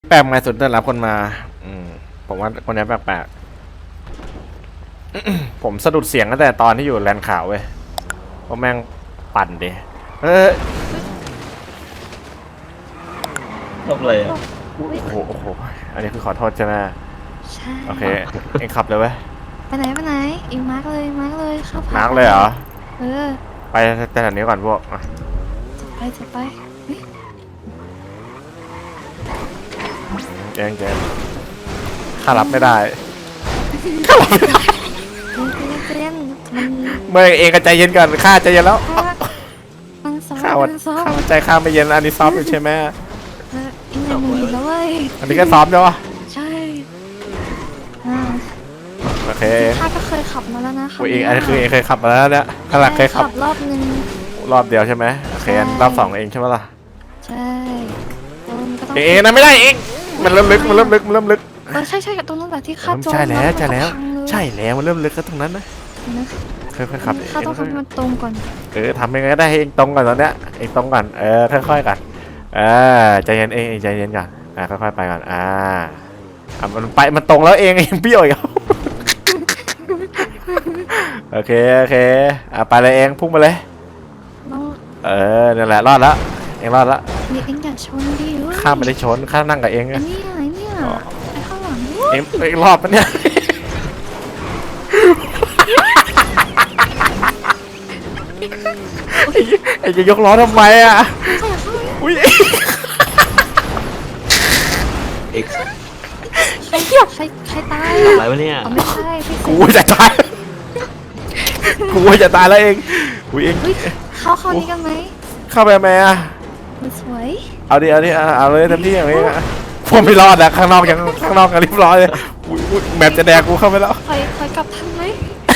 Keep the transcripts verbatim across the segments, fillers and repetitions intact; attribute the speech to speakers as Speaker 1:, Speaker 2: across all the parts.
Speaker 1: แปลกไหมสุดได้รับคนมาอืมผมว่าคนนี้แปลกๆ ผมสะดุดเสียงตั้งแต่ตอนที่อยู่แลนด์ขาวเว้ยเพราะแม่งปั่นดิเออ
Speaker 2: ทำอะไรอ่ะ
Speaker 1: โอ้โหโอ้โหอันนี้คือขอโทษใช่ไหม
Speaker 3: ใช่
Speaker 1: โอเคเอ็งขับเลยเว้ย
Speaker 3: ไปไหนไปไหนอีกมาร์กเลยมาร์กเลยเข้า
Speaker 1: มาร์กเลยเหรอ
Speaker 3: เออ
Speaker 1: ไปแต่แถวนี้ก่อนพวกอ่ะ
Speaker 3: จะไปจะไปเฮ้ย
Speaker 1: เจนเจนข้ารับไม่ได้
Speaker 3: เจนเจนเจนมัน
Speaker 1: เมื่อเองก็ใจเย็นก่อนข้าใจเย็นแล้ว
Speaker 3: มันซ้อม
Speaker 1: ข้าวั
Speaker 3: มัน นซ้อม
Speaker 1: ข้าใจข้าไม่เย็นอันนี้ซ้อมอยู่ใช่ไหม
Speaker 3: เอออีกหนึ่งหมื่นแล้วเว้ย
Speaker 1: อันนี้ก็ซ้อมใช่ปะ
Speaker 3: ใช่อ่า
Speaker 1: โอเค
Speaker 3: ข้าก็เคยขับมาแล้วนะ
Speaker 1: อุ้ยเองอันนี้คือเองเคยขับมาแล้วเนี่ยข้างหลังเคยขับ
Speaker 3: รอบนึง
Speaker 1: รอบเดียวใช่ไหมโอเคอันรอบสองเองใช่ไหมล่ะ
Speaker 3: ใช่ตรงนั้นก็ต้อง
Speaker 1: เองเองนะไม่ได้เองมันเริ่มลึกมันเริ่มลึกมันเริ่มลึก
Speaker 3: เออใช่ใช่กับตรงนั้นแหละที่ข้าจอด
Speaker 1: ใช่แล้วใช่แล้ว
Speaker 3: พังเลย
Speaker 1: ใช่แล้วมันเริ่มลึกก็ตรงนั้นนะ
Speaker 3: นะ
Speaker 1: ค่อยๆขับเอง
Speaker 3: ข้าต้องทำให้มันตรงก่อน
Speaker 1: เออทำยังไงก็ได้ให้เองตรงก่อนตอนเนี้ยเองตรงก่อนเออค่อยๆก่อนเออใจเย็นเองเองใจเย็นก่อนอ่าค่อยๆไปก่อนอ่าอ่ะมันไปมันตรงแล้วเองเองเบี้ยวอีก โอเคโอเคอ่ะไปเลยเองพุ่งมาเลย
Speaker 3: ต้อง
Speaker 1: เออนั่นแหละรอดแล้วเองรอดแล้ว
Speaker 3: นี่เอ็งอย่าชนดิเว้ย
Speaker 1: ข้ามไม่ได้ชนข้ามนั่งกับเอง
Speaker 3: ไอ้
Speaker 1: อะ
Speaker 3: เนี่ยไอ้เนี่ยไอ้ข้างหลัง
Speaker 1: เองเองรอดปะเนี่ย เองจะยกล้อทำไมอ่ะอุ้ย
Speaker 2: เอ็กซ์
Speaker 3: ใครใครใครตาย
Speaker 2: อะไร
Speaker 3: อ่ะ
Speaker 2: วะเนี่ย
Speaker 3: อ๋อไม่ใช่พี่
Speaker 1: กูจะตายกูจะตายแล้วเองอุ้ยเอง
Speaker 3: เฮ้ยเข้าเข้านี้กันไหม
Speaker 1: เข้าไปไหมอ่ะ
Speaker 3: มันสวย
Speaker 1: เอาดิเอาดิเอาเอาเลยเต็มที่อย่างนี้อะผมไม่รอดอะข้างนอกยังข้างนอกกันเรียบร้อยเลยอุ๊ยอุ๊ยแมปจะแดกกูเข้าไปแล้ว
Speaker 3: คอยคอยกลับทันไหม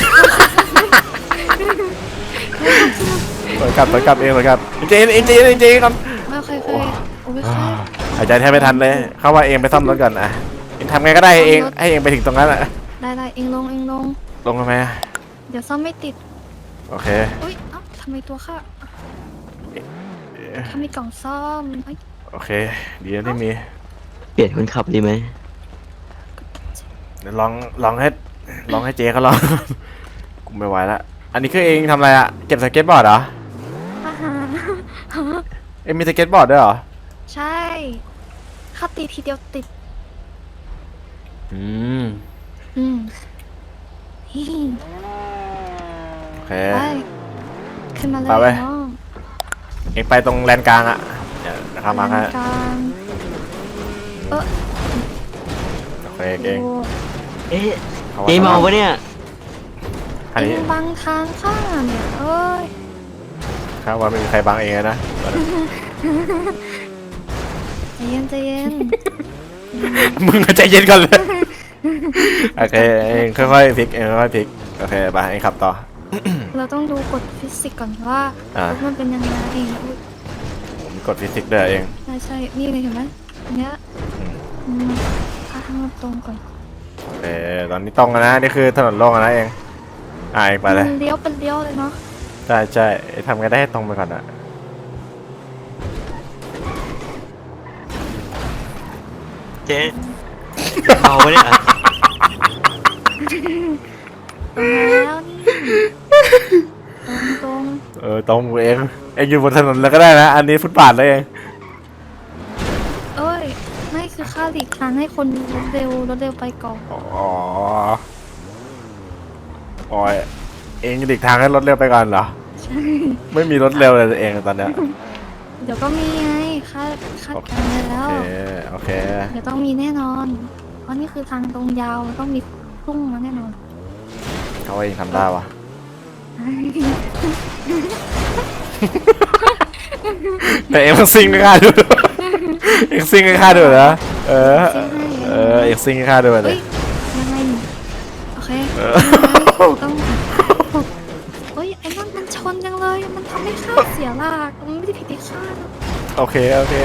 Speaker 1: ถอยกลับถอยกลับเองถอยกลับเจนเองเจนเองเจนก่อน
Speaker 3: ไม่เคยเคยโอ้ยเคย
Speaker 1: หายใจแทบไม่ทันเลยเข้าว่าเองไปซ่อมรถก่อนอะเองทำไงก็ได้เองให้เองไปถึงตรงนั้นอะ
Speaker 3: ได้ได้เอ็งลงเอ็งลง
Speaker 1: ลงทำไมอะ
Speaker 3: เดี๋ยวซ่อมไม่ติด
Speaker 1: โอเค
Speaker 3: อุ้ยเอ้าทำไมตัวข้าถ้ามีกล่องซ่อมเอ้ย
Speaker 1: โอเคดีนะที่มี
Speaker 2: เปลี่ยนคนขับดีไหม
Speaker 1: เดี๋ยวลองลองให้ลองให้เจเขาลอง กูไม่ไหวละอันนี้คือเองทำอะไรอะเก็บสเก็ตบอร์ดเหรอ
Speaker 3: อาหาร
Speaker 1: เองมีสเก็ตบอร์ดด้วยเหรอ
Speaker 3: ใช่ข้าตีทีเดียวติด
Speaker 1: อืม
Speaker 3: อืมฮิฮิ
Speaker 1: โอเค
Speaker 3: ไปขึ้นมาเลย
Speaker 1: ไปเว้ย
Speaker 3: น้อง
Speaker 1: เองไปตรงแลนกลางอะเดี๋ยวนะครับมาให้
Speaker 3: กลางเออ
Speaker 1: โอเคเอง
Speaker 3: โอ้
Speaker 2: เอ๊ะ
Speaker 1: ขว่
Speaker 2: เจ๊เมาวะเนี่ย
Speaker 1: อันนี้
Speaker 3: เอ็งบังทางข้าเนี่ยเอ้ย
Speaker 1: ข้าว่าไม่มีใครบังเองเลยนะ
Speaker 3: ใจเย็นใจเย็น
Speaker 1: มึงก็ใจเย็นก่อนเลย โอเคเองค่อยๆพลิกเองค่อยๆพลิกโอเคไปเองขับต่อ
Speaker 3: เราต้องดูกฎฟิสิกส์ก่อนว่า
Speaker 1: อ่า
Speaker 3: รถมันเป็นยังไงอุ๊ย
Speaker 1: ผมกดฟิสิกส์ด้วยเอง
Speaker 3: ใช่ใช่นี่เลยเห็นไหมอันเนี้ย
Speaker 1: อืม
Speaker 3: อืมพาทางมันตรงก่อน
Speaker 1: โอเคตอนนี้ตรงแล้วนะนี่คือถนนโล่งแล้วนะเองอ่าเองไปเลย
Speaker 3: มันเลี้ยวเป็นเลี้ยวเลยเนาะ
Speaker 1: ใช่ใช่ทำไงได้ให้ตรงไปก่อนอะ
Speaker 2: เจ๊เมาวะเนี่ย
Speaker 3: ตรงแล้วนี่ตรงตรง
Speaker 1: เออตรงเองเองอยู่บนถนนแล้วก็ได้นะอันนี้ฟุตบาทเลยเอง
Speaker 3: เอ้ยไม่คือค่าหลีกทางให้คนรถเร็วรถเร็วไปก่อน
Speaker 1: อ๋อโอ้ยเองหลีกทางให้รถเร็วไปก่อนเหรอ
Speaker 3: ใช่
Speaker 1: ไม่มีรถเร็วเลยเองตอนเนี้ย
Speaker 3: เดี๋ยวก็มีไงคาดคาดการณ์ไว้แล้
Speaker 1: โอ
Speaker 3: ว
Speaker 1: เคโอเค
Speaker 3: เดี๋ยวต้องมีแน่นอน เพราะนี่คือทางตรงยาวมันต้องมีพุ่งมาแน่นอน
Speaker 1: เขาว่าเองทำได้วะแต่เองต้องซิงให้ข้าดู เองซิงให้ข้าดูนะเออเออเองซิงให้ข้าดูเล
Speaker 3: เฮ้
Speaker 1: ย
Speaker 3: ยยังไงโอเค
Speaker 1: เออ
Speaker 3: ต้องเฮ้ยไอ้นั่นมันชนจังเลย มันทำให้ข้าเสียหลักมันไม่ได้ผิดที่ข้านะ
Speaker 1: โอเคโอเค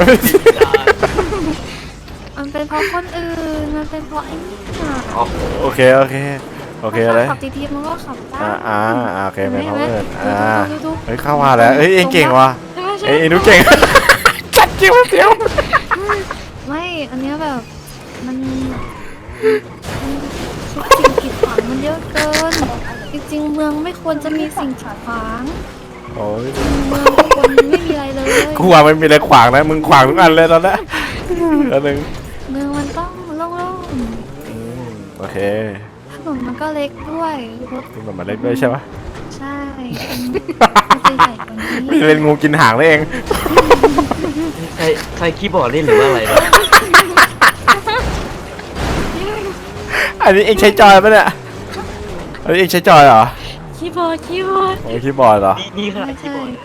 Speaker 3: มันเป็นเพราะคนอื่น มันเป็นเพราะไอ้นี่ค่ะ
Speaker 1: โอเคโอเคโอเคเลย
Speaker 3: ขับดีๆมันก็ขับได้
Speaker 1: อ่าอ่าอ่าโอเคไม่เขา
Speaker 3: ห็
Speaker 1: เอิ
Speaker 3: น
Speaker 1: น
Speaker 3: ไหม
Speaker 1: อ่า
Speaker 3: ดูดูดู
Speaker 1: เฮ้ยเข้ามาแล้วเฮ้ยเองเก่งว่ะ
Speaker 3: ใช่ไหมใช่
Speaker 1: เอ้ย
Speaker 3: ไหม
Speaker 1: เองดูเก่ง จัดจิ้วเสียว
Speaker 3: มันไม่ อันเนี้ยแบบ มันมันทุกสิ่งกีดขวางมันเยอะเกิน จริงๆ เมืองไม่ควรจะมีสิ่งกีดขวาง
Speaker 1: โอ้ย
Speaker 3: เมืองทุกคนไม่มีอะไรเลย
Speaker 1: กูว่าไม่มีอะไรขวางนะมึงขวางทุกอันเลยตอนนี้อันหนึ่ง
Speaker 3: เมืองมันต้องโล่ง
Speaker 1: อืมโอเค
Speaker 3: ๆถนนมันก็เล็กด้วยรถ
Speaker 1: มึงแบบมาเล่นด้วยใช่ปะ
Speaker 3: ใช่มันจะใหญ่กว่านี้
Speaker 1: ไม่ได้เป็นงูกินหางนั่นเอง
Speaker 2: ใครใครคีย์บอร์ดเล่นหรือว่าอะไรนะ
Speaker 1: อันนี้เองใช้จอยปะเนี่ยอันนี้เองใช้จอยเหรอ
Speaker 3: คีย์บอร์ดคีย์บอร์ด
Speaker 1: โอ้ยคีย์บอร์ดเหรอ
Speaker 2: นี่นี่ขนา
Speaker 3: ไม่
Speaker 2: ดคีย์
Speaker 3: ใช่
Speaker 2: บอร์ด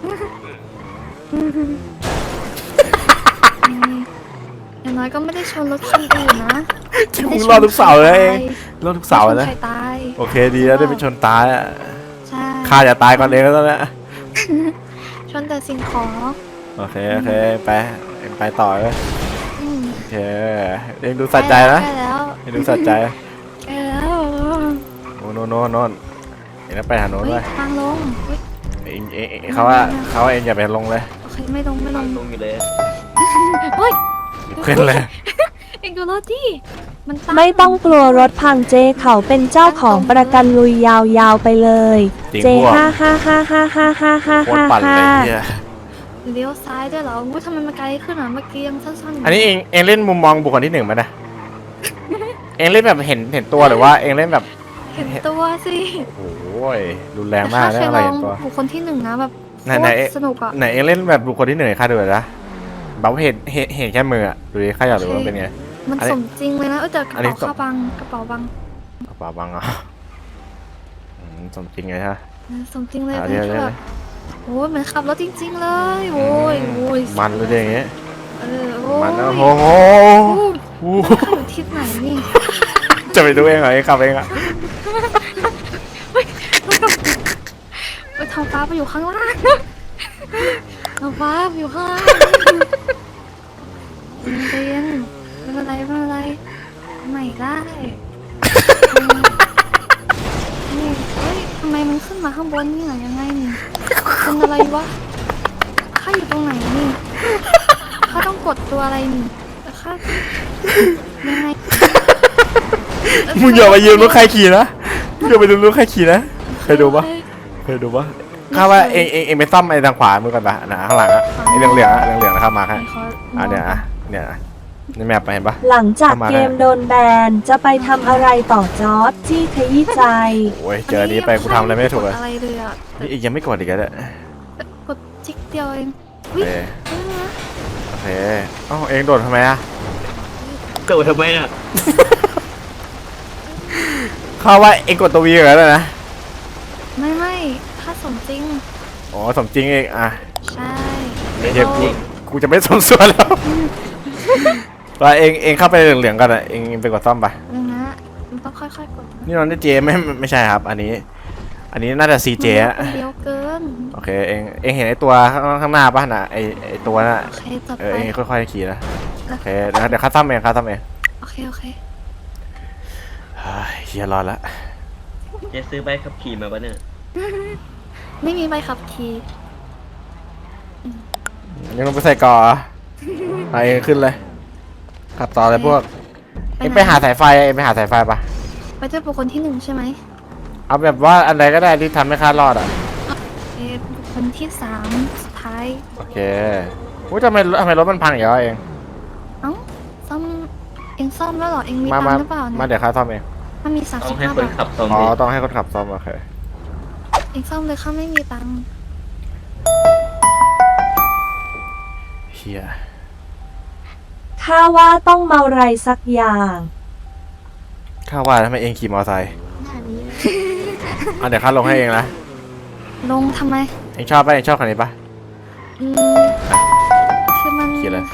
Speaker 3: อย่างน้อยก็ไม่ได้ชนรถคันอื่นนะ
Speaker 1: ที่มึงรอดทุกเสาเลยเองรอดทุกเสา
Speaker 3: ไม่
Speaker 1: เลย
Speaker 3: ชน
Speaker 1: นะ
Speaker 3: ใครตาย
Speaker 1: โอเคดีแล้วได้ไปชนตายอ่ะ
Speaker 3: ใช่
Speaker 1: ข้าจะตายก่อนเองแล้วตอนนี้
Speaker 3: ชนแต่สิ่งของ
Speaker 1: โอเคโอเคไปเอ็งไปต่อเลย
Speaker 3: อืม
Speaker 1: โอเคเองดูสัจใจนะ
Speaker 3: ใกล้แล้ว
Speaker 1: เองดูสัจใจ
Speaker 3: ใกล้แล้ว
Speaker 1: โน่นโน่นโน่นโน่นเองต้องไปหาโน้น
Speaker 3: เฮ้
Speaker 1: ด้วย ย
Speaker 3: ทางลงเฮ้ย
Speaker 1: เองเองเองเขาว่าเขาว่าเองอย่าไปลงเลย
Speaker 3: โอเคไม่ลงไม่ลง
Speaker 2: ลงอยู่เลย
Speaker 3: เฮ้ย
Speaker 1: ขึ้นเลย
Speaker 3: เอ็งดูรถดิมันตั้ง
Speaker 4: ไม่ต้องกลัวรถพังเจเขาเป็นเจ้าของประกันลุยยาวๆไปเลย
Speaker 1: จริง
Speaker 4: เจ
Speaker 1: พวก
Speaker 4: ห้าห้าห้าห้าห้าห้าห้า
Speaker 1: โคตร
Speaker 4: ห้า
Speaker 1: ปั่นเลย
Speaker 4: ห้า
Speaker 1: เฮีย
Speaker 3: เลี้ยวซ้ายด้วยเหรอว่าทำไมมันไกลขึ้นอ่ะเมื่อกี้ยังสั้นๆยู่
Speaker 1: อันนี้เองเองเล่นมุมมองบุคคลที่หนึ่งไหมนะเองเล่นแบบเห็นเห็นตัวหรือว่าเองเล่นแบบ
Speaker 3: เห็นตัวสิ
Speaker 1: โอ้ยรุนแรงมาก
Speaker 3: แต่
Speaker 1: นะ
Speaker 3: ข้
Speaker 1: อะไร
Speaker 3: เคยล
Speaker 1: เห็
Speaker 3: อง
Speaker 1: นตัว
Speaker 3: บุคคลที่หนึ่งนะแบบ
Speaker 1: ไหน
Speaker 3: โค
Speaker 1: ไหน
Speaker 3: ตรสนุกอ่ะ
Speaker 1: ไหนเองเล่นแบบบุคคลที่หนึ่งให้ข้าดูหน่อยนะแบบว่าเห็นเห็นเห็นแค่มืออะดูดิข้าอยากรู้ว่าเป็นไง
Speaker 3: มัน
Speaker 1: อันนี้
Speaker 3: สมจริงเลยนะเออแต่กระ
Speaker 1: อันนี้
Speaker 3: เป๋า
Speaker 1: สม
Speaker 3: ข้าบังกระเป๋าบัง
Speaker 1: กระเป๋าบังอ่ะอืมสมจริงไงฮะ
Speaker 3: เออสมจริงเลย
Speaker 1: เอา
Speaker 3: เป็น
Speaker 1: เดี๋ยว
Speaker 3: แบ
Speaker 1: เดี๋ยว
Speaker 3: บโอ้ยเหมือนขับรถจริง ๆ เลยโอ้ยโอ้ย
Speaker 1: มันเลยอย่างเงี้ย
Speaker 3: เออโอ้ย
Speaker 1: มันนะ
Speaker 3: โอ้
Speaker 1: โอ้โห
Speaker 3: ย
Speaker 1: โอ้โห
Speaker 3: ขับอยู่ทิศไหนนี่
Speaker 1: จะไปดูเองเหรอเองขับเองอ่ะ
Speaker 3: ไปท้องฟ้าไปอยู่ข้างล่างท้องฟ้าไปอยู่ข้างล่างใจเย็นไม่เป็นไรไม่เป็นไรไม่ได้นี่เฮ้ยทำไมมันขึ้นมาข้างบนนี่หรอยังไงนี่เป็นอะไรวะข้าอยู่ตรงไหนนี่ข้าต้องกดตัวอะไรนี่แต่ข้ายังไง
Speaker 1: มึงอย่ามายืมรถใครขี่นะมึงอย่าไปดูรถใครขี่นะเคยดูปะเคยดูปะข้าว่าเองเองเองไปซ่อมไอ้ทางขวามือก่อนปะนะข้างหลังอะไอ้เหลืองเหลืองๆอะเหลืองเหลืองๆนะครับมาครับอ่ะเนี่ยอ่ะเนี่ยอ่ะนี่แมปไปเห็นปะ
Speaker 4: หลังจากเกมโดนแบนจะไปทำอะไรต่อจอร์จจี้ขยี้ใจ
Speaker 1: โอ้ยเจออันนี้ไปกูทำอะไรไม่ถูกเลย
Speaker 3: อะไรเลยอ่ะ
Speaker 1: นี่อีกยังไม่กดอีกแล้วเนี่ย
Speaker 3: กดจิ๊กเดียวเอง
Speaker 1: โอ
Speaker 3: วิ
Speaker 1: เค
Speaker 3: เฮ้ยนะ
Speaker 1: โอเคเอ้าเองโดดทำไมอะ
Speaker 2: เกิดทำไมน่ะ
Speaker 1: ข้าว่าเองกดตัววีเหรอนะ
Speaker 3: ไม่ไม่ถ้าสมจริง
Speaker 1: อ๋อสมจริงเองอ่ะ
Speaker 3: ใช่
Speaker 1: เดี๋ยวกูกูจะไม่สมส่วนแล้วไปเองเองเข้าไปเหลืองๆกันอ่ะเองไปกดซ่อมไป
Speaker 3: นึงนะมันต้องค่อยๆกด
Speaker 1: นี่น้องเจไม่ไม่ไม่ใช่ครับ อันนี้ อันนี้น่าจะซีเจอะ
Speaker 3: มันเดียวเกิน
Speaker 1: โอเคเองเองเห็นไอ้ตัวข้างข้างหน้าป่ะน่ะไอ้ไอ้ตัวน่ะ
Speaker 3: โอเคจัด
Speaker 1: เอ
Speaker 3: ไป
Speaker 1: อเองค่อยๆขี่นะโอเคเดี๋ยวเดี๋ยวข้าซ่อมเองข้าซ่อมเอง
Speaker 3: โอเคโอเค
Speaker 1: เฮ้ยเฮียรอดละ
Speaker 2: เจ๊ซื้อใบขับขี่มาปะเนี่ย
Speaker 3: ไม่มีใบขับขี่
Speaker 1: ยังต้องไปใส่ก่อไปเองขึ้นเลยขับต่อเลยพวกเองไปหาสายไฟเองไปหาสายไฟปะ
Speaker 3: ไปด้วยบุคคลที่หนึ่งใช่ไหม
Speaker 1: เอาแบบว่าอันใดก็ได้ที่ทำให้ข้ารอดอ่ะ
Speaker 3: เออบุคคลที่สามสุดท้าย
Speaker 1: โอเคอุ้ยทำไมทำไมรถมันพังอย่างเงี้ยเอง
Speaker 3: เอ้าซ่อมเองซ่อมแล้วเหรอเองมี
Speaker 1: มา
Speaker 3: ตัง
Speaker 1: มา
Speaker 3: ค์หรือเปล่า
Speaker 1: มา
Speaker 3: เนี่ย
Speaker 1: เดี๋ยวข้าซ่อมเอง
Speaker 3: มันมีสาม
Speaker 2: ต้อ
Speaker 3: สิ
Speaker 2: ง
Speaker 3: บ
Speaker 2: ให้
Speaker 3: ห้า
Speaker 2: คน
Speaker 3: บาท
Speaker 2: ขับซ่อม
Speaker 1: อ๋อ
Speaker 2: ดิ
Speaker 1: ต้องให้คนขับซ่อมโอเค
Speaker 3: เองซ่อมเลยข้าไม่มีตังค์
Speaker 1: เฮีย
Speaker 4: ข้าว่าต้องเมาไรสักอย่าง
Speaker 1: ข้าว่าทำไมเองขี่มอเตอร์ไซค์
Speaker 3: หน้านี้
Speaker 1: อ่ะเดี๋ยวข้าลงให้เองนะ
Speaker 3: ลงทำไม
Speaker 1: เองชอบปะเองชอบคันนี้ปะ
Speaker 3: อืมคือมัน
Speaker 1: ขี่เลย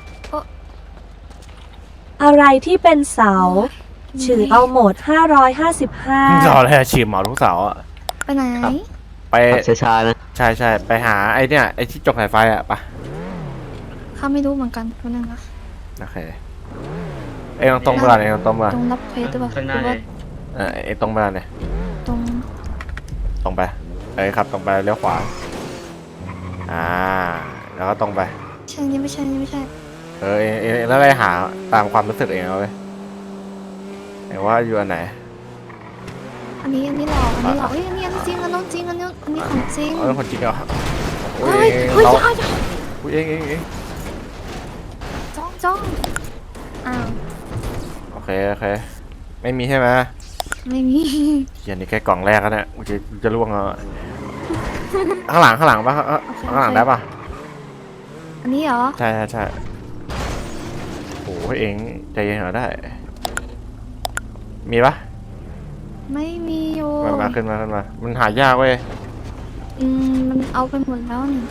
Speaker 4: อะไรที่เป็นเสาฉือเอาโหมดห้าร้อยห้าสิบห้า
Speaker 1: รอเลยฉีดหมอทุกเสาร์อะ
Speaker 3: ไปไหน
Speaker 1: ไป
Speaker 2: ขับช้าๆนะ
Speaker 1: ใช่ใช่ไปหาไอ้เนี่ยไอ้ที่จกสายไฟอะปะ
Speaker 3: ข้าไม่รู้เหมือนกันคนนึงนะ
Speaker 1: โอเคเองตรงเวลาเนี่ยตรงเวลา
Speaker 3: ตรงรับเควสด้วยป่ะ
Speaker 2: ข้างห
Speaker 3: ห
Speaker 2: น้า
Speaker 3: รือ
Speaker 2: เล
Speaker 3: ว่าย
Speaker 1: เออไอ้ตรงเวลาเนี่ย
Speaker 3: ตรง
Speaker 1: ตรงไปเอ้ยครับตรงไปเลี้ยวขวาอ่าแล้วก็ตรงไป
Speaker 3: ใช่นี่ไม่ใช่นี่ไม่ใช่
Speaker 1: โอเคเออเองเองแล้วไปหาตามความรู้สึกเองเอาเลยเองว่าอยู่อันไหน
Speaker 3: อันนี้อันนี้หลอกอันนี้หลอกเฮ้ยอันนี้อันนี้จริงอันนู้นจริงอันนี้อันนี้ของจริง
Speaker 1: เออคนจริงเหรอโอ้
Speaker 3: เฮ้
Speaker 1: ย
Speaker 3: ย
Speaker 1: เอง
Speaker 3: เฮ้ย
Speaker 1: เรา
Speaker 3: จ้าจ้า
Speaker 1: อุ้ยเองเองเอง
Speaker 3: จ้องจ้องอ้าว
Speaker 1: โอเคโอเคไม่มีใช่ไหม
Speaker 3: ไม่มี
Speaker 1: เฮียนี่แค่กล่องแรกแล้วเนี่ยกูจะจะล่วงเอาข้างหลังข้างหลังปะข้างหลังได้ปะ
Speaker 3: อันนี้เหรอ
Speaker 1: ใช่ใช่ใช่โอ้ยเองใจเย็นเหรอได้ มีปะ
Speaker 3: ไม่มีอยู่
Speaker 1: มามาขึ้นมาขึ้นมามันหายากเว้ย
Speaker 3: อืมมันเอาไปหมดแล้วนี่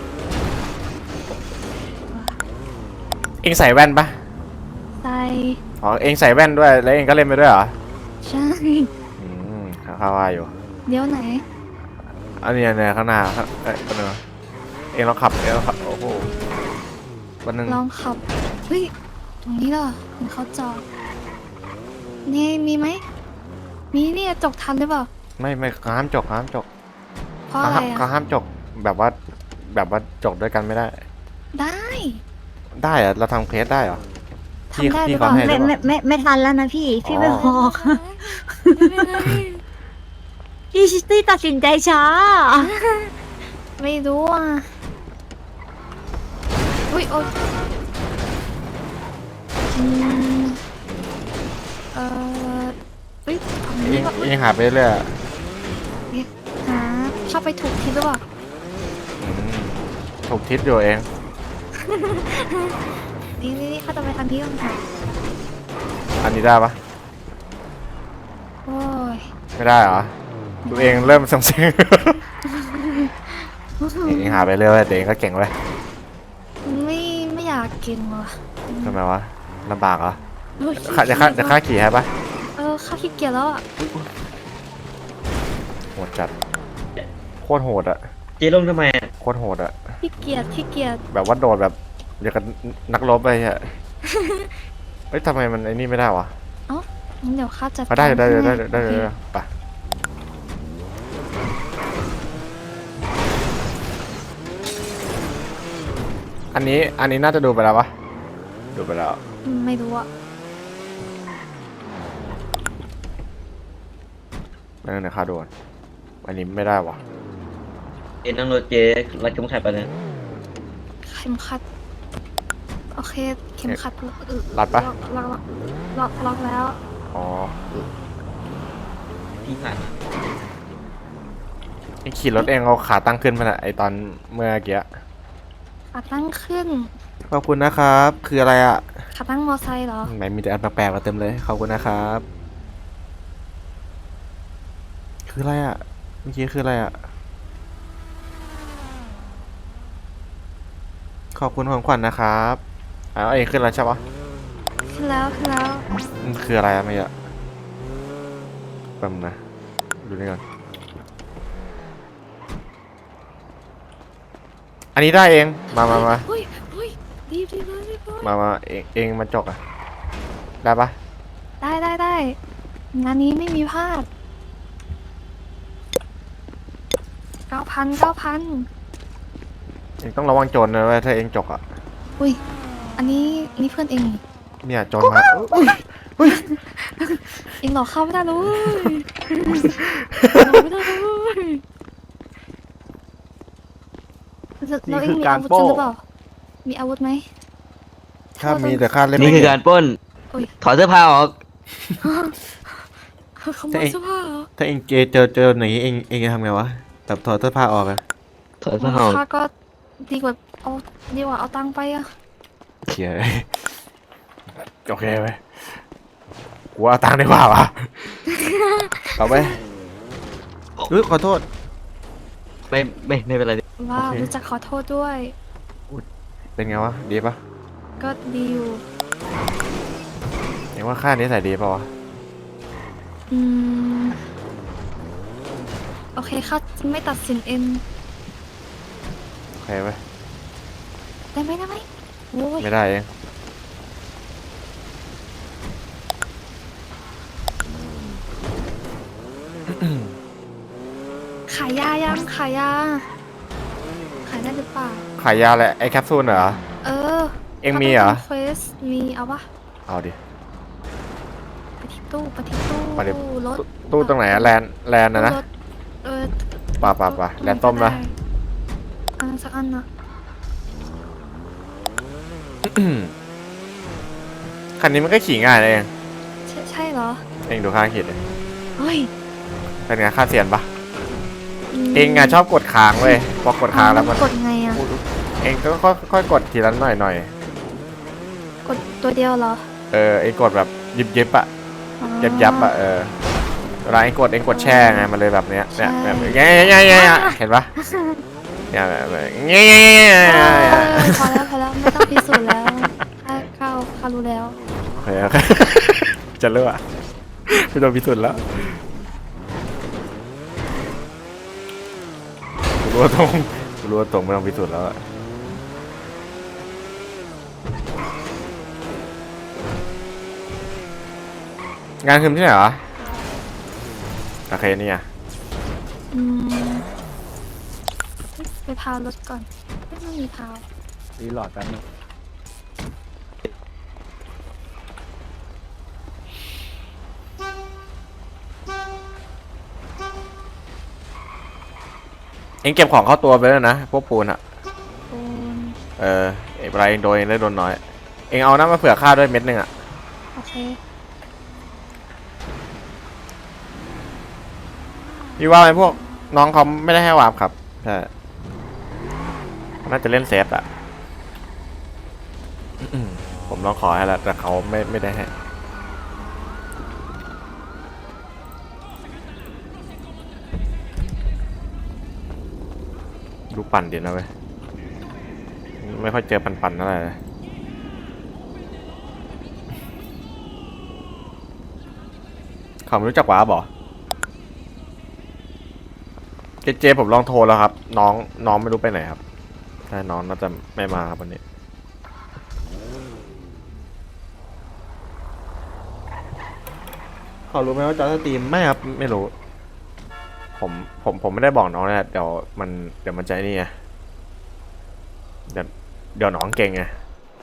Speaker 1: เองใส่แว่นปะ
Speaker 3: ใส่
Speaker 1: อ๋อเองใส่แว่นด้วยแล้วเองก็เล่นไปด้วยเหรอ
Speaker 3: ใช่
Speaker 1: อืมข้าวว่าอยู่
Speaker 3: เดี๋ยวไหน
Speaker 1: อันนี้เนี่ยข้างหน้าครับเอ้ยคนนึงเองลองขับเองลองขับโอ้โหวันหนึ่ง
Speaker 3: ลองขับเฮ้ยตรงนี้เหรอเห็นเขาจอดนี่มีไหมมีเนี่ยจกทันหรือเปล่า
Speaker 1: ไม่ไม่เขาห้ามจกเขาห้ามจก
Speaker 3: เพราะ
Speaker 1: เขา
Speaker 3: อะไร
Speaker 1: ห้ามเขา
Speaker 3: อ่ะ
Speaker 1: ห้ามจกแบบว่าแบบว่าจกด้วยกันไม่ได้
Speaker 3: ได้
Speaker 1: ได้เหรอะเราทำเคสได้เหรอ
Speaker 3: ทำได้หรือเปล่า
Speaker 1: ที่
Speaker 5: ไม่
Speaker 1: เขาให้
Speaker 5: ไม่ไม่ไม่ทันแล้วนะพี่ พี่ไม่บอก
Speaker 3: ไม่เป็นไร
Speaker 5: พี่ชิตตี้ตัดสินใจช้า
Speaker 3: ไม่รู้อ่ะอุ้ยโอ๊ยอืมเอ่ออุ้ยฝั่ง
Speaker 1: เอ
Speaker 3: นี้
Speaker 1: ง
Speaker 3: ก็อุ๊ย
Speaker 1: เองหาไปเรื่อยอะ
Speaker 3: หาเข้าไปถูกทิศหรือเปล่า
Speaker 1: อืมถูกทิศอยู่เอง
Speaker 3: นี่นี่นี่เขาจะไปทางนี้กันค่ะ
Speaker 1: อันนี้ได้ปะ
Speaker 3: โอ้ย
Speaker 1: ไม่ได้เหรอตัวเองเริ่มเซ็งๆเองเองหาไปเรื่อยๆแต่เองก็เก่งเว้ย
Speaker 3: ไม่ไม่อยากกินว่ะ
Speaker 1: ทำไมวะลำบากเหรอ
Speaker 3: โอ้ย
Speaker 1: ข้าจะข้าจะข้าขี่ให้ปะ
Speaker 3: เออข้าขี้เกียจแล้วอ่ะ
Speaker 1: โหดจัดโคตรโหดอะ
Speaker 2: เจ๊ลงทำไมอ่ะ
Speaker 1: โคตรโหดอะ
Speaker 3: ขี้เกียจขี้เกียจ
Speaker 1: แบบว่าโดดแบบอย่างกับนักรบไปอะเฮ้ยทำไมมันไอ้นี่ไม่ได้วะ
Speaker 3: งั้นเดี๋ยวข้าจัด
Speaker 1: เขาได้ได้ได้ได้
Speaker 3: ให้
Speaker 1: ได้
Speaker 3: โอเค
Speaker 1: ได้ไปอันนี้อันนี้น่าจะดูไปแล้วปะดูไปแล้ว
Speaker 3: อืมไม่รู้อ่ะ
Speaker 1: นั่นนะค่าดูก่อนอันนี้ไม่ได้วะ
Speaker 2: เอ็นนั่งรถเจ๊รัดเข็มขัดไปะเนี่ย
Speaker 3: เข็มขัดโอเคเข็มขัดเออ
Speaker 1: รัดปะ
Speaker 3: ล็อกล็อกล็อกล็อกแล้ว
Speaker 1: อ๋อ
Speaker 2: พี่ผ่าน
Speaker 1: ไอขี่รถเองเอาขาตั้งขึ้นมาน่ะไอตอนเมื่อกี้
Speaker 3: ขาตั้งขึ้น
Speaker 1: ขอบคุณนะครับ คืออะไรอ่ะ
Speaker 3: ขาตั้งมอไซค์เหรอ
Speaker 1: ไหนมีแต่อันแปลกๆมาเต็มเลยขอบคุณนะครับ คืออะไรอ่ะเมื่อกี้คืออะไรอ่ะขอบคุณของขวัญนะครับอ้าวเองขึ้นแล้วใช่ปะ
Speaker 3: ขึ้นแล้วขึ้นแล้ว
Speaker 1: มันคืออะไรอะไม่อะแป๊บนึงนะดูนี่ก่อนอันนี้ได้เองมามามา
Speaker 3: เฮ้ยเฮ้ยรีบรีบรีบรีบ
Speaker 1: มามาเองเองมาจกอ่ะได้ปะ
Speaker 3: ได้ได้ได้งานนี้ไม่มีพลาดเก้าพันเก้าพัน
Speaker 1: เองต้องระวังโจรนะเว้ยถ้าเองจกอ่ะ
Speaker 3: อุ้ยอันนี้อันนี้เพื่อนเองนี่
Speaker 1: เนี่ยโจรมาอุ้ยอุ้ย
Speaker 3: เองหลอกเข้าไม่ได้เลยหลอกไม่ได้เลยแล้วแล้วเองมีอาวุธจริงหรือเปล่ามีอาวุธไหม
Speaker 1: ข้ามีแต่ข้าเล่น
Speaker 2: นี่
Speaker 1: ไม่
Speaker 2: คือ
Speaker 1: เก่
Speaker 2: กาง รปล้น
Speaker 3: โอ้ย
Speaker 2: ถอดเสื้อผ้าออก
Speaker 3: ขโมยเสื้อผ้าเหรอ
Speaker 1: ถ้าเองเจอเจอเจอหนีเองเองจะทำไงวะแบบถอดเสื้อผ้าออกอะ
Speaker 2: ถอดเสื้อผ้าออก
Speaker 3: ข้าก็ดีกว่าเอาดีกว่าเอาตังค์ไปอะ
Speaker 1: เขียโอเคไปกูเอาตังค์ดีกว่าวะเอาไปเฮ้ยขอโทษ
Speaker 2: ไม่ไม่ไม่เป็นไร
Speaker 3: ว้าว
Speaker 1: โอเค
Speaker 3: รู้จักขอโทษด้วย
Speaker 1: เป็นไงวะดีปะ
Speaker 3: ก็ดีอยู่
Speaker 1: เองว่าค่านี้ใส่ดีปะวะ
Speaker 3: อืมโอเคข้าจะไม่ตัดสินเอง
Speaker 1: โอเคไป
Speaker 3: ได้ไหมได้ไหมโอ้ย
Speaker 1: ไม่ได้เอง
Speaker 3: ขายยายังขายยาขายได้หรือเปล่า
Speaker 1: ขายยาแหละไอแคปซูลเหรอ
Speaker 3: เออ
Speaker 1: เองมีเหรอ
Speaker 3: เควสมีเอาปะ
Speaker 1: เอาดิ
Speaker 3: ไปที่ตู้ไปที่ตู้
Speaker 1: ไปดิ
Speaker 3: รถ
Speaker 1: ตู้ตรงไหนอะแลนแลนนะนะ
Speaker 3: รถเออ
Speaker 1: ป่าป่าป่าแลนต้มนะ
Speaker 3: อันสักอันนะ
Speaker 1: คันนี้มันก็ขี่ง่ายนะเอง
Speaker 3: ใช่ใช่เหรอ
Speaker 1: เองดูข้างขีดเลย
Speaker 3: เฮ้ย
Speaker 1: เป็นไงค่าเสียนปะ
Speaker 3: ม
Speaker 1: เองอะชอบกดค้างเว้ยพอกดค้างแล้วมัน
Speaker 3: กดไงอะ
Speaker 1: เองก็ค่อยค่อยกดทีละหน่อยหน่อย
Speaker 3: กดตัวเดียวเหรอ
Speaker 1: เออเองกดแบบยิบยิบอะ
Speaker 3: อ๋อ
Speaker 1: ยับยับอะเออเวลาเองกดเองกดแช่ไงมันเลยแบบเนี้ยเนี่ย
Speaker 3: ใช่
Speaker 1: แบบเงี้ยเงี้ยเงี้ยเงี้ยเห็นปะเนี่ยแบบเงี้ยเงี้ยเงี้ย
Speaker 3: เอ
Speaker 1: เงี้ย
Speaker 3: อพอแล้วพอแล้วไม่ต้องพิสูจน์แล้วข้าข้าข้ารู้แล้ว
Speaker 1: โอเคโอเคจะเลิกอะไม่ต้องพิสูจน์แล้วกูรู้ว่าตรงกูรู้ว่าตรงไม่ต้องพิสูจน์แล้วอะงานคืนที่ไหนเหรอโอเคนี่ไง
Speaker 3: อืมไปพาวรถก่อนไม่ต้องมีพาว
Speaker 6: รีโหลดแป๊บนึง
Speaker 1: เองเก็บของเข้าตัวไปแล้วนะพวกปูนอะ
Speaker 3: ปูน
Speaker 1: เออเอกไรเองโดนเองได้โดนน้อยเองเอาน้ำมาเผื่อข้าด้วยเม็ดหนึ่งอะ
Speaker 3: โอเค
Speaker 1: พี่ว่าไอ้พวกน้องเขาไม่ได้ให้วาร์ปครับใช่น่าจะเล่นเซฟอะอืมผมลองขอให้แล้วแต่เขาไม่ไม่ได้ให้ดูปั่นดีนะเว้ยไม่ค่อยเจอปั่นๆเท่าไหร่เลยเขาไม่รู้จักวาร์ปเหรอเจเจผมลองโทรแล้วครับ น้องน้องไม่รู้ไปไหนครับใช่น้องน่าจะไม่มาครับวันนี้เขารู้ไหมว่าจอสตรีมไม่ครับไม่รู้ ผมผมผมไม่ได้บอกน้องนะเดี๋ยวมันเดี๋ยวมันใจนี่ไงเดี๋ยวเดี๋ยวน้องเก่งไง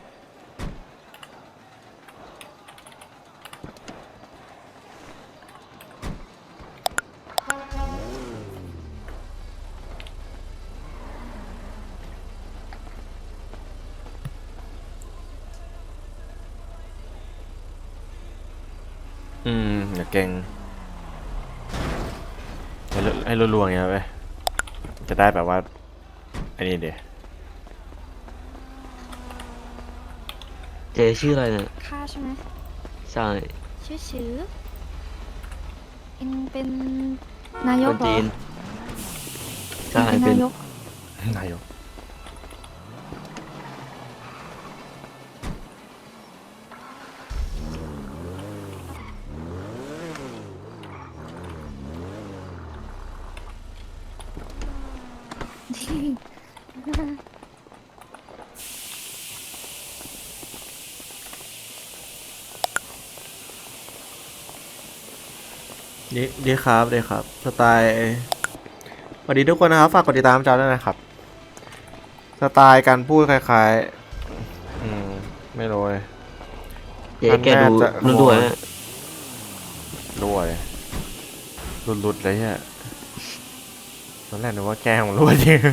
Speaker 1: อืมอย่าเก่งให้รัวให้รัวๆอย่างเงี้ยไปจะได้แบบว่าไอ้นี่เดี๋ยว
Speaker 2: เจชื่ออะไรเนี่ย
Speaker 3: ค่าใช่ไหม
Speaker 2: ใช่
Speaker 3: ชื่อชื่อเองเป็นนาย
Speaker 2: ค
Speaker 3: ก
Speaker 2: น
Speaker 3: เหรอ
Speaker 2: จีน
Speaker 3: เอ
Speaker 2: ใช่
Speaker 3: งเป็น
Speaker 2: เป็น
Speaker 3: นายก
Speaker 1: นายก ดีดีครับดีครับสไตล์สวัสดีทุกคนนะครับฝากกดติดตามจอด้วยนะครับสไตล์การพูดคล้ายๆอืมไม่รู้เลย
Speaker 2: เจแกดู
Speaker 1: มันน่าจะ
Speaker 2: รุ่นด้วยนะ
Speaker 1: รั่วเลยหลุดๆเลยเนี่ยตอนแรกนึกว่าแกของรั่วจริง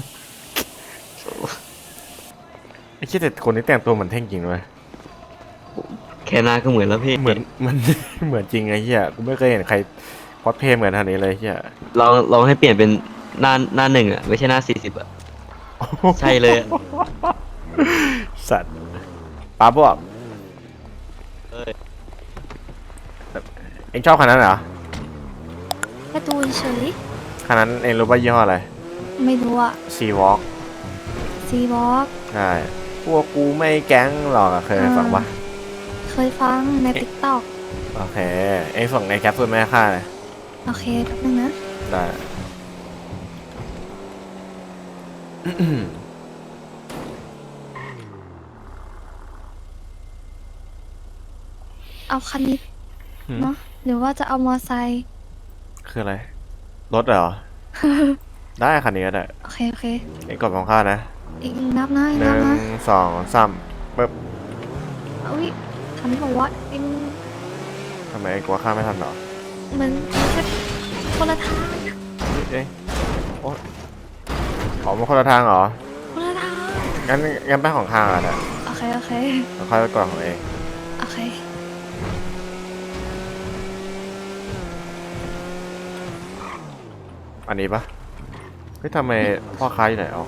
Speaker 1: ไอ้คิดแต่คนนี้แต่งตัวเหมือนเท่งจริงเลย
Speaker 2: แค่หน้าก็เหมือนแล้วพี่
Speaker 1: เหมือนเหมือน เหมือนจริงไอ้เหี้ยกูไม่เคยเห็นใครคอสเพลย์เหมือนท่านนี้เลยเหี้ย
Speaker 2: ลองลองให้เปลี่ยนเป็นหน้าหน้าหนึ่งอ่ะไม่ใช่หน้าสี่สิบอ่ะ ใช่เลยอะ
Speaker 1: สัตว์ป้าบอก
Speaker 2: เอ้ย
Speaker 1: เอ็งชอบคันนั้นเหรอ
Speaker 3: แค่ดูเฉย
Speaker 1: คันนั้นเอ็งรู้ป่ะยี่ห้ออะไร
Speaker 3: ไม่รู้อะ
Speaker 1: ซีวอล์ก
Speaker 3: ซีบ็อก
Speaker 1: ใช่พวกกูไม่แก๊งหรอกอะเคยฟังปะ
Speaker 3: เคยฟังในติ๊กต็อก
Speaker 1: โอเคเอ็งส่งไอ้แคปซูลมาให้ข้าเลย
Speaker 3: โอเคแป๊บนึงนะ
Speaker 1: ได้
Speaker 3: เอาคันนี้
Speaker 1: หืม
Speaker 3: เนาะหรือว่าจะเอามอไซค์
Speaker 1: คืออะไร รถเหรอ ได้คันนี้ก็ได้
Speaker 3: โอเคโอเค
Speaker 1: เอ็งกดของข้านะ
Speaker 3: อีกนับนะอีก
Speaker 1: ห
Speaker 3: นั
Speaker 1: นึ่
Speaker 3: บ
Speaker 1: ง
Speaker 3: นะ
Speaker 1: สองสามปึ๊บ
Speaker 3: อุ้ยทันบอกว่าเอ็ง
Speaker 1: ทำไมเองกลัวข้ามไม่ทันเหรอ
Speaker 3: มันแค่คนละทาง
Speaker 1: เอ๊ะโอ้อ๋อมันคนละทางเหรอ
Speaker 3: คนละทาง
Speaker 1: งั้นงั้นไปของข้างอ่ะนะ
Speaker 3: โอเคโอเค
Speaker 1: แล้วค่อยไปกดของเอง
Speaker 3: โอเค
Speaker 1: อันนี้ปะเฮ้ยทำไมพ่อค้าอยู่ไหนอ๋อ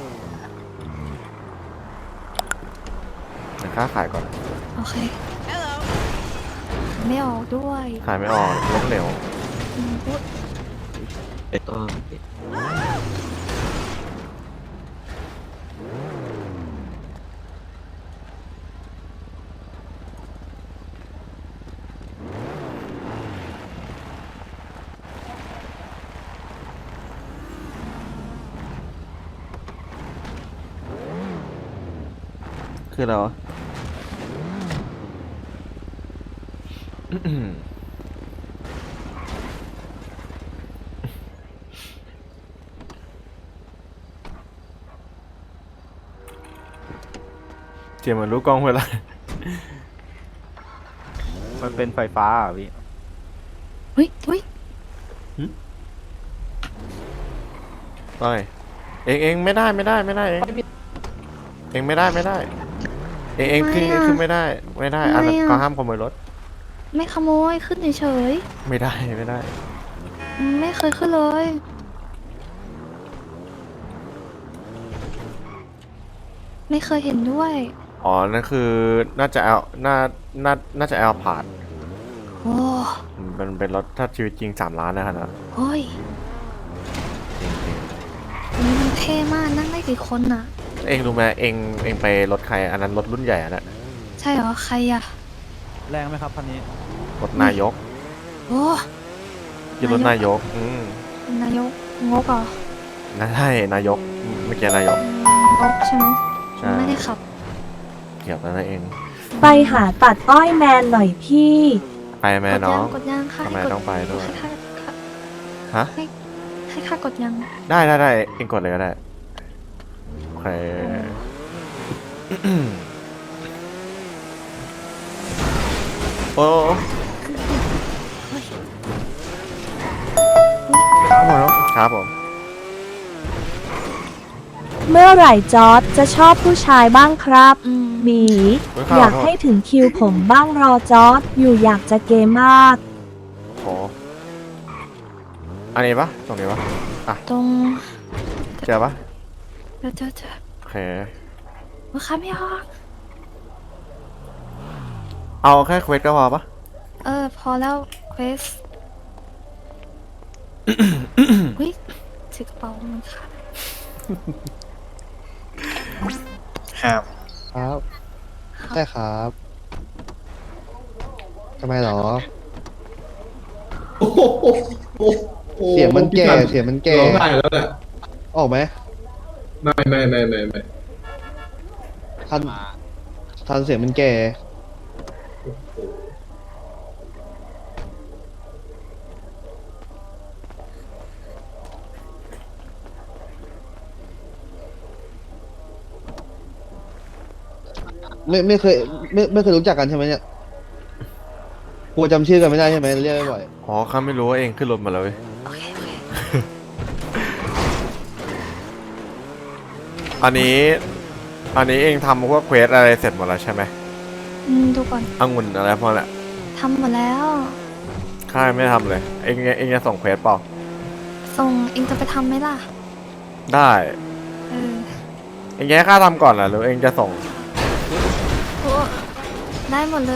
Speaker 1: เดี๋ยวค้าขายก่อน
Speaker 3: โอเคไม่ออกด้วย
Speaker 1: ขายไม่ออกล้มเหลว
Speaker 3: อืมอุ๊ย
Speaker 2: เอ็ดก็
Speaker 1: คืออะไรวะ เจียมเหมือนรู้กล้องเวลา
Speaker 6: มันเป็นไฟฟ้าอ่ะพี่
Speaker 3: เฮ้ยเฮ้ย
Speaker 1: ไปเองเองไม่ได้ไม่ได้ไม่ได้เองเองไม่ได้ไม่ได้ เองเองขึ้นขึ้นไม่ได้ไม่ได้อันนั้นก็ห้ามขโมยรถ
Speaker 3: ไม่ขโมยขึ้นเฉย
Speaker 1: ไม่ได้ไม่ได้
Speaker 3: ๆอืมไม่เคยขึ้นเลย ไม่เคยเห็นด้วย
Speaker 1: อ๋อนั่นคือน่าจะเอาน่าน่าน่าจะเอาผ่าน
Speaker 3: โอ้
Speaker 1: มันเป็นรถถ้าชีวิตจริงสามล้านนะครับนะ
Speaker 3: โอ้ย
Speaker 1: จริงจริง
Speaker 3: อันนี้มันเท่มากนั่งได้กี่คนน่ะ
Speaker 1: เองรู้ไหมเองเองไปรถใครอันนั้นรถรุ่นใหญ่อะนะ
Speaker 3: ใช่เหรอใครอะ
Speaker 6: แรงไหมครับคันนี้
Speaker 1: รถนายก
Speaker 3: โอ้
Speaker 1: ยี่รถนายกอืม
Speaker 3: นายกงกเหรอ
Speaker 1: น่าใช่นายกเมื่อกี้นายก
Speaker 3: อืมงกใช่ไหม
Speaker 1: ใช่
Speaker 3: ไม่ได้ขับ
Speaker 1: เกี่ยวกับนั่นเอง
Speaker 4: ไปหาตัดอ้อยแมนหน่อยพี่
Speaker 1: ไปไหมน้อง
Speaker 3: กดยังค่ะ
Speaker 1: ทำไม
Speaker 3: ให้กด
Speaker 1: ต้องไปด้วย
Speaker 3: ให้ค่า
Speaker 1: ฮะ
Speaker 3: ให้ให้ค่ากดยัง
Speaker 1: ได้ได้ได้เองกดเลยก็ได้โอเคโอ้ครับผมครับผม
Speaker 4: เมื่อไหร่จอร์ดจะชอบผู้ชายบ้างครับ
Speaker 3: อืม
Speaker 4: หมี
Speaker 1: เฮ้ยครับ
Speaker 4: อยากให้ถึงคิวผมบ้างรอจอร์ดอยู่อยากจะเกมมาก
Speaker 1: โหอันนี้ปะตรงนี้ปะอ่ะ
Speaker 3: ตรง
Speaker 1: เจอปะ
Speaker 3: เจอเจอเจอ
Speaker 1: โอเค
Speaker 3: ลูกค้าไม่ออก
Speaker 1: เอาแค่เควสก็พอปะ
Speaker 3: เออ พอแล้วเควสเฮ้ยถือกระเป๋ามันค่ะ
Speaker 7: ครับ ครับใช่ครับทำไมหรอ เสียงมันแก่เสียงมันแก่
Speaker 8: ร้องได้แล้วแหละ
Speaker 7: ออกไหม
Speaker 8: ไม่ไม่ไม่ไม่ไม่
Speaker 7: ทันทันเสียงมันแก่ไม่ไม่เคยไม่ไม่เคยรู้จักกันใช่ไหมเนี่ยกลัวจำชื่อกันไม่ได้ใช่ไหมเรียกบ่อย
Speaker 1: อ๋อข้าไม่รู้ว่าเองขึ้นรถมาแล้วเว้ย
Speaker 3: โอเคโอเค
Speaker 1: อันนี้ อันนี้เองทำพวกเควสอะไรเสร็จหมดแล้วใช่ไหม
Speaker 3: อืมดูก่อน
Speaker 1: องุ่นอะไรพวกนั้นแหละ
Speaker 3: ทำหมดแล้ว
Speaker 1: ข้ายังไม่ทำเลย เองเองจะส่งเควสเปล่า
Speaker 3: ส่งเองจะไปทำไหมล่ะ
Speaker 1: ได้
Speaker 3: เออ
Speaker 1: เองจะให้ข้าทำก่อนเหรอหรือเองจะส่ง
Speaker 3: โอ้ได้หมดเลย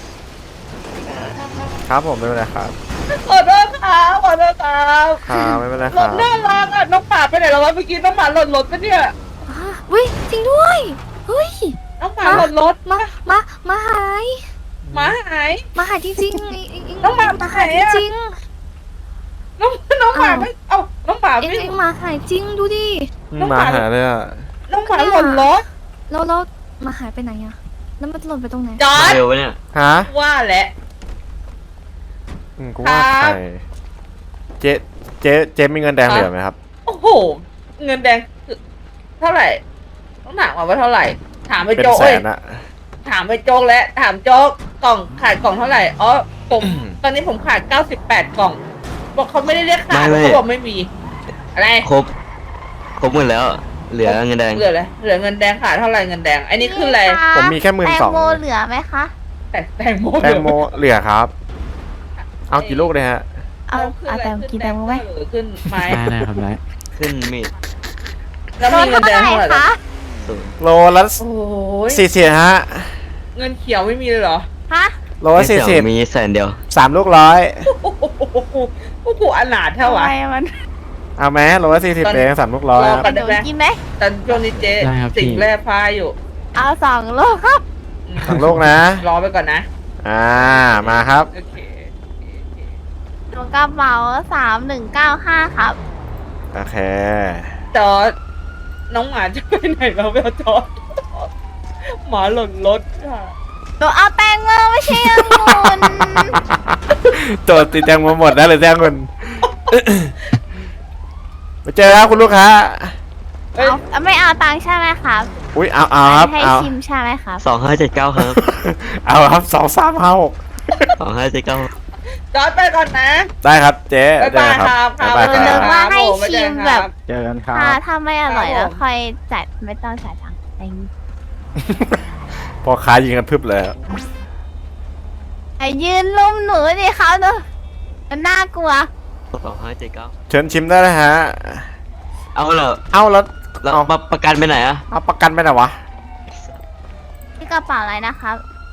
Speaker 1: ครับผมไม่เป็นไรครับ
Speaker 9: ขอโทษครับขอโทษครับ
Speaker 1: ครับไม่เป็นไร
Speaker 9: ร
Speaker 1: ครั
Speaker 9: ถ
Speaker 1: บ
Speaker 9: น่ารักอ่ะน้องหมาไปไหนแล้ววะเมื่อกี้น้องหมาหล่นรถปะเนี่ย
Speaker 3: อ่ะเฮ้ยจริงด้วย เฮ้ย
Speaker 9: น้องหมาหล่นรถ
Speaker 3: มา มา มาหาย
Speaker 9: หมาหาย
Speaker 3: มาหายจริงๆเองเอง
Speaker 9: น้องหมา
Speaker 3: มาหาย
Speaker 9: หายอะ
Speaker 3: จริง
Speaker 9: น้องน้องหมา
Speaker 3: อ้าว
Speaker 9: ไม่เอ้าน้องหมา
Speaker 3: ๆเอง
Speaker 9: ไม่
Speaker 3: เองมาหายจริงดูดิ
Speaker 9: น้องห
Speaker 1: มา
Speaker 9: มา
Speaker 1: หาเลยอ่ะ
Speaker 9: น้องหมาหล่นรถ
Speaker 3: แล้วแล้วมาหายไปไหนอะแล้วมันหล่นไปตรงไหน
Speaker 9: จอ
Speaker 2: มา
Speaker 9: ด
Speaker 2: เร็วปะเนี่ย
Speaker 1: ฮะ
Speaker 9: ว่าแหละ
Speaker 1: อืมกูว่า
Speaker 9: ค
Speaker 1: ใค
Speaker 9: รั
Speaker 1: ร
Speaker 9: บ
Speaker 1: เจ๊เจ๊เจ๊มีเงินแดงเหลือไหมครับ
Speaker 9: โอ้โห เงินแดงเท่าไหร่ต้องถามก่อนว่าเท่าไหร่ ถามไป
Speaker 1: เป็น
Speaker 9: โจ้
Speaker 1: แส
Speaker 9: เอ้ย
Speaker 1: นอะ
Speaker 9: ถถามไปโจ๊กแล้วถามโจ๊กกล่องขาดกล่องเท่าไหร่อ๋อผมตอนนี้ผมขาดเก้าสิบแปดกล่อง บอกเขาไม่ได้เรียกขาดเขาบอกไม่มี อะไร
Speaker 2: ครบ ครบหมดแล้ว เหลือเงินแดง
Speaker 9: เหลืออะไรเหลือเงินแดงขาดเท่าไหร่เงินแดงอันนี้คืออะไร
Speaker 1: ผมมีแค่หมื่นสอง
Speaker 3: แตงโมเหลือไหมคะ
Speaker 9: แต่แตงโม
Speaker 1: แตงโมเหลือครับ เอากี่ลูกเลยฮะ
Speaker 3: เอาเอาแตงกี่แตงโมไหม
Speaker 9: หรือขึ้นไม้
Speaker 6: ได้ได้ครับได้
Speaker 2: ขึ้นมีด
Speaker 9: แล้วมีเงินแดงเท่าไหร่ล่ะ
Speaker 2: ศูนย์
Speaker 1: โลละ
Speaker 9: โอ้ย
Speaker 1: สี่สิบฮะ
Speaker 9: เงินเขียวไม่มีเลยเหรอ
Speaker 3: ฮะ
Speaker 1: โลละสี่สิบ
Speaker 2: มีแสนเดียว
Speaker 1: สามลูกร้อย
Speaker 9: โอ้โหโอ้โหอนาถเท่า
Speaker 3: ทำ
Speaker 9: วะ
Speaker 3: ไมมัน
Speaker 1: เอาไหมโลละสี่สิบเองสามลูกร้อย
Speaker 9: รอ
Speaker 1: ครับ
Speaker 9: ก่อน
Speaker 3: หนูกินไหม
Speaker 9: แต่ช่วงนี้เจ๊
Speaker 6: ได้ครับ
Speaker 9: สิ่ง
Speaker 6: พี่
Speaker 9: แร่พาอยู่
Speaker 3: เอาสองลูกครับ
Speaker 9: อืม
Speaker 1: สองลูกนะ
Speaker 9: รอไปก่อนนะ
Speaker 1: อ่า มาครับ
Speaker 9: โอเค
Speaker 3: หนูกระเป๋าสามหนึ่งเก้าห้าครับ
Speaker 1: โอเค
Speaker 9: จอดน้องหมาจะไปไหนเราไปเอาจอดหมาหล่นรถค่ะ
Speaker 3: หนูเอาแตงโมไม่ใช่องุ่น
Speaker 1: โจทย์ติดแตงโมหมดได้เลยแจ้งคนไปเจอครับคุณลูกค้า
Speaker 9: เอ้ย
Speaker 3: เอาไม่เอาตังค์ใช่ไหมครับ
Speaker 1: อุ้ยเอาเอาครับ
Speaker 3: ให้
Speaker 1: เอา
Speaker 3: ชิมใช่ไหมครับ
Speaker 2: สองห้าเจ็ดเก้าครับ
Speaker 1: เอาครับสองสามห้าหก
Speaker 2: สองห้าเจ็ดเก้า
Speaker 9: จอดไปก่อนนะ
Speaker 1: ได้ครับเจ๊
Speaker 9: บ๊าย
Speaker 1: เจอบ
Speaker 9: าย
Speaker 1: กันครับ
Speaker 9: ครับ
Speaker 1: บ๊ายบาย
Speaker 3: เออ
Speaker 1: ครับ
Speaker 3: ว่าให้
Speaker 9: ผมไม่เจอ
Speaker 3: ชิม
Speaker 9: ครับ
Speaker 3: แบบ
Speaker 6: เจอกันครั
Speaker 3: ถ้า
Speaker 6: บ
Speaker 3: ถ้าไม่อร่อย
Speaker 9: ครับ
Speaker 3: แล้ว
Speaker 9: ผม
Speaker 3: ค่อยจัดไม่ต้องจ่ายตังค์เอง
Speaker 1: พอค้ายิงกันพึบเลย
Speaker 3: ไอ้ยืนลุมหนูดิเขาเนอะมันน่ากลัว
Speaker 2: สองห้าเจ็ดเก้า
Speaker 1: เชิญชิมได้เลยฮะ
Speaker 2: เอาเหรอ
Speaker 1: เอาแล้ว
Speaker 2: แล้ว
Speaker 1: เอา
Speaker 2: มาประกันไปไหนอะ
Speaker 1: เอาประกันไปไหนวะ
Speaker 3: ที่กระเป๋าอะไรนะครับ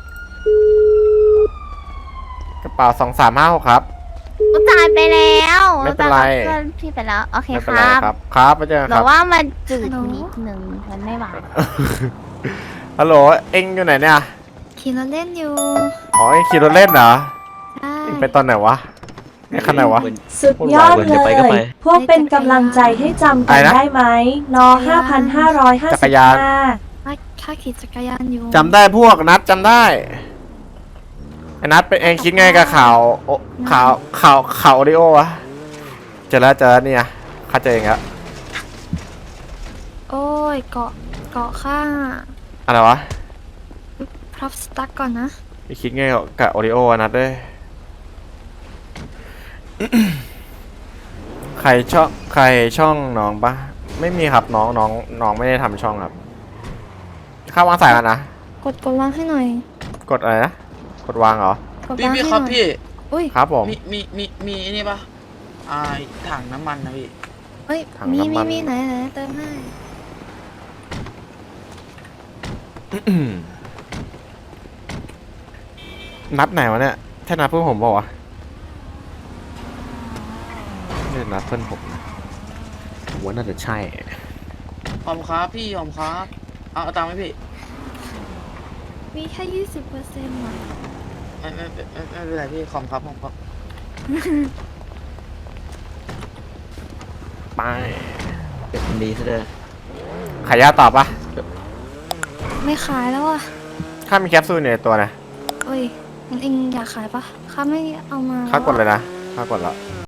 Speaker 1: กระเป๋าสองสามห้าหกครับ
Speaker 3: กูจ่ายไปแล้ว
Speaker 1: ไม่เป็นไร
Speaker 3: จ่ายกับเพื่อนพี่ไปแล้ว โอเค
Speaker 1: ไม่
Speaker 3: ค
Speaker 1: เป็นไร
Speaker 3: รับ
Speaker 1: ครับ ครับไปเจอกัน
Speaker 3: แต่
Speaker 1: ครับ
Speaker 3: ว่ามันจืดนิดหนึ่งมันไม่หวาน
Speaker 1: ฮัลโหล เอ็งอยู่ไหนเนี่ย
Speaker 3: ขี่รถเล่นอยู่
Speaker 1: อ๋อเอ็งขี่รถเล่นเหรอ
Speaker 3: ใช่
Speaker 1: เอ็งไปตอนไหนวะไอ้คันไหนวะ
Speaker 4: สุดยอด
Speaker 2: เดี๋
Speaker 4: เล
Speaker 2: ยวไปก็ไป
Speaker 4: ย พวกเป็นกำลังใจให้จำกั
Speaker 1: อะไร
Speaker 4: น
Speaker 1: นะ
Speaker 4: ได้ไหมนอห้าพันห้าร้อยห้า
Speaker 1: จั
Speaker 4: สิ
Speaker 1: ก
Speaker 4: บ
Speaker 1: รยาน
Speaker 4: ห้า
Speaker 3: ถ้าถ้าขี่จักรยานอยู่
Speaker 1: จำได้พวกนัดจำได้ไอ้นัดเป็นเองคิดไงกับข่าวโอข่าวข่าวข่าวโอริโอวะเจอแล้วเจอแล้วเนี่ยเข้าใจเองแล้ว
Speaker 3: โอ้ยเกาะเกาะข้าง
Speaker 1: อะไรวะ
Speaker 3: พรับสตั๊กก่อนนะ
Speaker 1: ไปคิดไงกับโอริโออะนัดเด้ย ใครช่องใครช่องน้องปะไม่มีครับน้องน้องน้องไม่ได้ทำช่องครับเข้าวางสายกันนะ
Speaker 3: กดกดวางให้หน่อย
Speaker 1: กดอะไรนะกดวางเหรอก
Speaker 3: ด
Speaker 10: พี่
Speaker 3: วาง
Speaker 10: พี่
Speaker 3: ให้
Speaker 10: ค
Speaker 3: ห
Speaker 10: รับ
Speaker 3: น่อย
Speaker 10: พี่
Speaker 3: อุ้ย
Speaker 1: ครับผม
Speaker 10: มีมีมีมีไอ้นี่ปะอ่าถังน้ำมันนะพี่
Speaker 3: เอ้ย
Speaker 1: ถัง
Speaker 3: มี
Speaker 1: น้ำมั
Speaker 3: มี
Speaker 1: น
Speaker 3: มีไหนไหนเติมให้
Speaker 1: นัดไหนวะเนี่ยใช่นัดเพื่อนผมเปล่าวะนี่นัดเพื่อนผมนะผมว่าน่าจะใช่
Speaker 10: หอมครับพี่หอมครับเอาเอาตังค์ไหมพี่
Speaker 3: มีแค่ยี่สิบเปอร์เซ็นต์ว่ะ
Speaker 10: ไม่ไม่ไม่ไม่ไม่เป็นไรพี่ขอมครับขอมครับ
Speaker 1: ไป
Speaker 2: เป็นคนดีซะด้วย
Speaker 1: ขายยาตอบปะ
Speaker 3: ไม่ขายแล้วอ่ะ
Speaker 1: ข้ามีแคปซูลอยู่ในตัวนะ
Speaker 3: เอ้ยงั้นเองอยากขายปะข้าไม่เอามา
Speaker 1: ข้ากดเลยนะข้ากดแล้ว